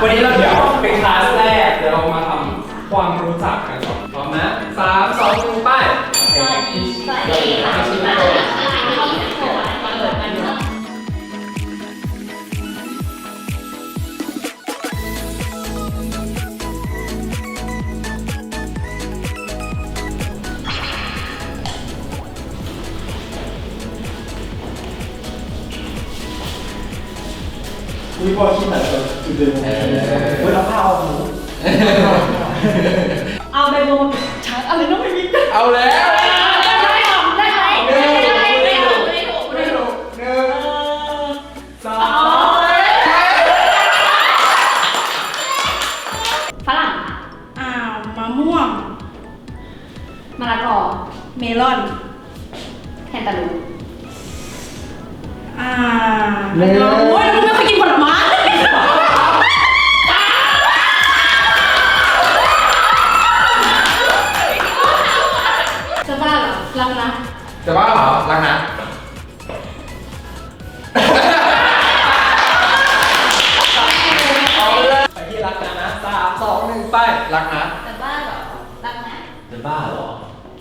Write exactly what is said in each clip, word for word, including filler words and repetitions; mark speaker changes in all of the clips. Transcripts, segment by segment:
Speaker 1: วันนี้เราเดี๋ยวเป็นคลาสแรกเดี๋ยวเรามาทำความรู้จักกันก่อนพร้อมนะสามสองหนึ่งไปสวัสดีสวัสดีค่ะชื่อโต
Speaker 2: มีบอลที่ไหนแบบจุดเด่นของมันเวลาผ้าเอาหนู
Speaker 3: เอาไปโมมาชาร์จอะไรต้องไปวิ่ง
Speaker 1: เอาแล้ว
Speaker 3: ได้หรอได้ไหมได้ได้ได้ถูกได้ถูกได้ถูก
Speaker 1: หนึ่งสอง
Speaker 3: ฝรั่งอ้าวมะม่วงมะละกอเมลอนแคนตาลูปอ่าโอ้ยเราไม่เคยกินผลไม้จะบ้าเหรอรักนะ
Speaker 1: จะบ้าเหรอรักนะเอาเลยไปที่รักนะนะสามสองหนึ่งไปรักนะ
Speaker 3: จะบ้าเหรอรักนะ
Speaker 1: จะบ้าเหรอ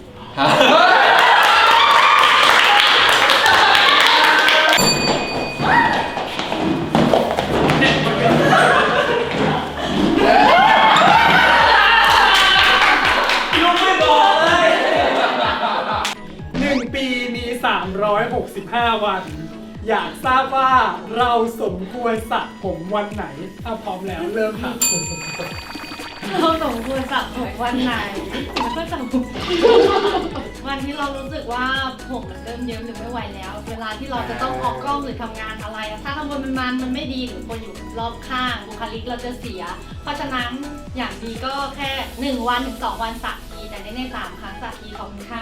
Speaker 4: สามร้อยหกสิบห้าวันอยากทราบว่าเราสมควรสระผมวันไหนถ้าพร้อมแล้วเริ่มค่ะ
Speaker 3: เราสมควรสระผมวันไหนมันก็จะวันที่เรารู้สึกว่าผมมันเริ่มเยิ้มหรือไม่ไหวแล้วเวลาที่เราจะต้องออกกล้องหรือทำงานอะไรถ้าทำบนมันมันมันไม่ดีหรือคนอยู่รอบข้างบุคลิกเราจะเสียเพราะฉะนั้นอย่างดีก็แค่หนึ่งวันถึงสองวันสระทีแต่ในในสามครั้งสระทีของคุณค่า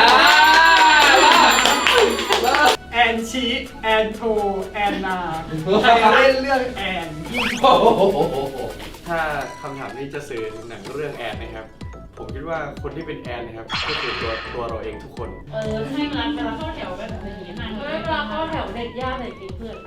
Speaker 4: แอนชีแอนโทแอนนาใครเล่นเรื่องแอนยิ่ง
Speaker 2: ถ้าคำถามนี้จะสื่อหนังเรื่องแอนนะครับผมคิดว่าคนที่เป็นแอนนะครับก็คือตัวตัวเราเองทุกคน
Speaker 3: เออให้เวลาเวลาเข้าแถวแบบนี้ห่างเวลาเข้าแถวเด็ดยากเลยกินเพื่อน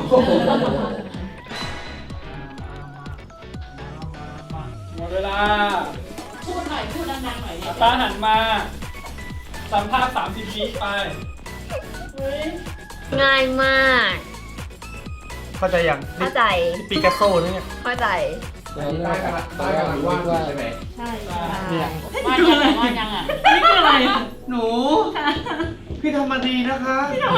Speaker 4: หมดเวลา
Speaker 3: พูดหน่อยพูดดังๆหน่อย
Speaker 4: ตาหันมาสัมภาษณ์สามสิบวิไป
Speaker 5: ง่ายมาก
Speaker 2: เข้าใจยัง
Speaker 5: เข้าใจ
Speaker 2: ปิกัสโซนี่
Speaker 5: เข้าใจ
Speaker 1: ได้กันละได้กันละว่าใช่ไหม
Speaker 3: ใช่เนี่ยว่ายังไงว่ายังอ่ะนี่คืออะไร
Speaker 2: หนูพี่ทำมาดีนะคะ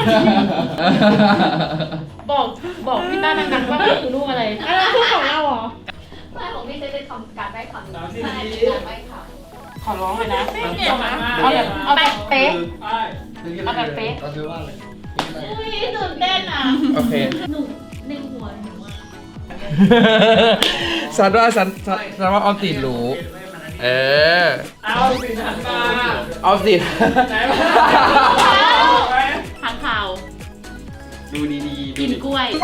Speaker 3: บอกบอกพี่ต้าดังๆว่าคือลูกอะไรอะไรลูกของเราเหรอไม่ของพี่จะได้ทำการได้คำหนึ่งใช่การได้คำขอร้องเลยนะไม่เก่งนะเอาแบบเอาแบบเป๊ะเอาแบบเป๊ะ
Speaker 1: ก็คือว่าอะไร
Speaker 3: อุ้ยตื่นเต้นอ่ะ
Speaker 1: โอเค
Speaker 3: หนูในหัวหนูอ่ะ
Speaker 1: สันว่าสันสันว่าออมสินรู้เออ
Speaker 4: เอาสินหันมา
Speaker 1: ออมสิน
Speaker 4: ไหนมา
Speaker 3: ทางข่าว
Speaker 1: ดูดีๆ
Speaker 3: กินกล้วย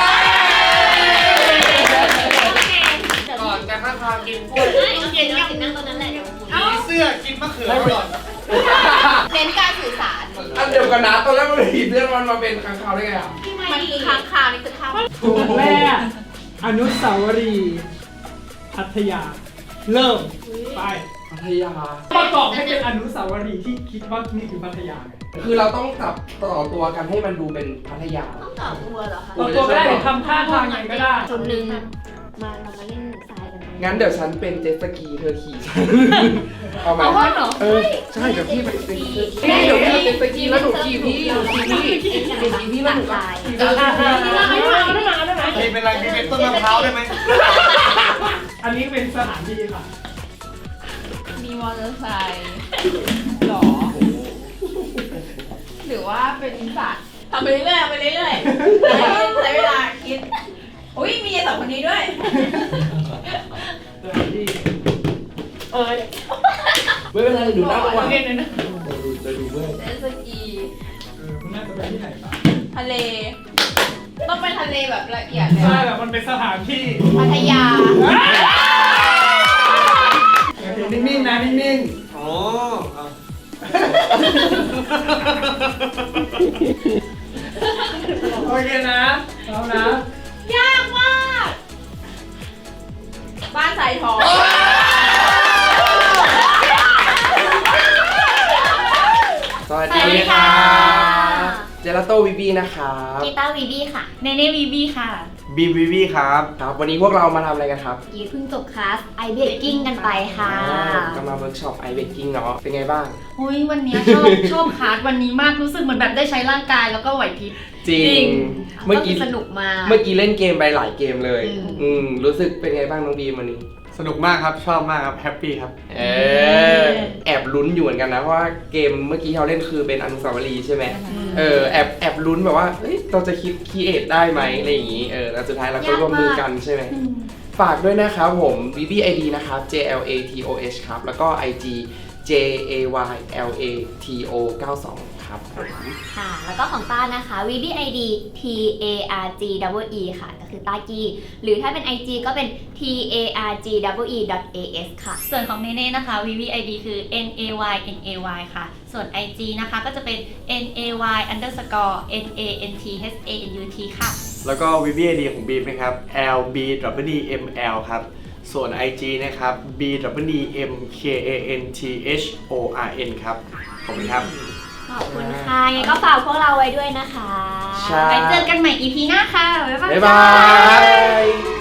Speaker 1: ก่อนจะข้างทางกินกล้วย
Speaker 3: กินยังนั่งตรงนั้นแหละเดี๋ยว
Speaker 2: มีเสื้อกินมะเขือก่อน
Speaker 3: เน้นการสื่อสาร
Speaker 1: อันเดียวกันนะตอนแรกมันผิดเรื่องมันมาเป็นค้างคาวได้ไงอ่ะ
Speaker 3: มันคือค้างคาวนี่คือข้าว
Speaker 4: ถูกแม่อนุสาวรีย์พัทยาเริ่มไป
Speaker 1: พัทยา
Speaker 4: ประกอบให้เป็นอนุสาวรีย์ที่คิดว่านี่คือพัทยา
Speaker 1: คือเราต้องจับต่อตัวกันให้มันดูเป็นพัทยา
Speaker 3: ต้องต่อตัวเหรอคะ
Speaker 4: ต่อตัวก็ได้ทำท่าทางยังก็ได้
Speaker 5: จุดหนึ่งมาเรามาเล่นทรายกัน
Speaker 1: งั้นเดี๋ยวฉันเป็นเจ็ตสกีเธอขี่เอาไหมเออใช่เดี๋ยวพี่ไปเป็นเจ็ตสกีเดี๋ยวพี่เป็นเจ็ตสกีแล้วหนูขี่พี่หนูขี่พี่หนูขี่พี่แล้วหนูขี่พี่
Speaker 2: พี่เป็นอะไรพี่เป็นต้นมะพร้าวได้ไหม
Speaker 4: อันนี้เป็นสถานที่ค่ะ
Speaker 3: มีมอเตอร์ไซค์หรอหรือว่าเป็นสัตว์ทำไปเรื่อยๆไปเรื่อยๆใช้เวลาคิดอุ้ยมีสองคนนี้ด้วยเออ
Speaker 1: ไม่เป็นไรดูหน้าก่อน
Speaker 3: เห็นนะ
Speaker 1: จะดูเมื่อ
Speaker 3: เจ็ตสกี
Speaker 4: เออคุณน่าจะไปที่ไหนบ้าง
Speaker 3: ทะเลต้องไปทะเลแบบละเอียดเลย
Speaker 4: ใช่แบบมันเป็นสถานที่
Speaker 3: พัทยา
Speaker 4: นิ่งๆนะนิ่ง
Speaker 2: ๆอ๋อ
Speaker 4: โอเคนะพร้อมนะ
Speaker 3: ยากมาก
Speaker 1: สวัส
Speaker 5: สวัส
Speaker 1: ดี
Speaker 5: ดี
Speaker 1: ค่ะ
Speaker 5: ค่ะ
Speaker 1: เจลาโต้วีบีนะครับ
Speaker 5: กีตาร์วีบี้ค่ะ
Speaker 3: เนเน่วีบีค่ะ
Speaker 2: บีมวิวีครับ
Speaker 1: ครับ วันนี้พวกเรามาทำอะไรกันครับ
Speaker 5: กีเพิ่งจบคลาสไอเบกกิ้งกันไปค่ะ
Speaker 1: ก็มาเวิร์กช็อปไอเบกกิ้งเนาะ เป็นไงบ้าง
Speaker 3: โอ้ยวันนี้ชอบ ชอบคลาสวันนี้มากรู้สึกเหมือนแบบได้ใช้ร่างกายแล้วก็ไหวพริบ
Speaker 1: จริ
Speaker 3: จริ
Speaker 1: ง
Speaker 3: ง
Speaker 1: เมื่อกี้
Speaker 5: สนุกมาก
Speaker 1: เมื่อกี้เล่นเกมไปหลายเกมเลย
Speaker 5: อืม
Speaker 1: อืม รู้สึกเป็นไงบ้างน้องบีมวันนี้
Speaker 2: สนุกมากครับ ชอบมากครับ แฮปปี้ครับ
Speaker 1: เออ แอบลุ้นอยู่เหมือนกันนะ เพราะว่าเกมเมื่อกี้เราเล่นคือเป็นอนุสาวรีย์ใช่ไหม เออ แอบแอบลุ้นแบบว่าเฮ้ย เราจะคิดคีเอทได้ไหมอะไรอย่างงี้ เออ แล้วสุดท้ายเราก็ร่วมมือกันใช่ไหม ฝากด้วยนะครับผม บี บี ไอ ดี นะครับ J L A T O H ครับ แล้วก็ ไอ จี J A Y L A T O เก้าสอง ครับผม
Speaker 5: ค่ะ แล้วก็ของต้านะคะ วี บี ไอ ดี T A R G E E ค่ะ ก็คือต้ากีหรือถ้าเป็น ไอ จี ก็เป็น T A R G E E dot A S ค่ะ
Speaker 3: ส่วนของเนเน่นะคะ วี วี ไอ ดี คือ N A Y N A Y ค่ะ ส่วน ไอ จี นะคะก็จะเป็น N A Y underscore N A N T H A N U T ค่ะ
Speaker 2: แล้วก็ วี บี ไอ ดี ของบีมนะครับ L B W D M L ครับ ส่วน ไอ จี นะครับ B W D M K A N T H O R N ครับ ขอบคุณครับ
Speaker 5: ขอบคุณค่ะยังไงก็ฝากพวกเราไว้ด้วยนะคะ
Speaker 1: ใช่
Speaker 3: ไปเจอกันใหม่ อี พี หน้าค่ะ บ๊ายบาย
Speaker 1: บ๊ายบาย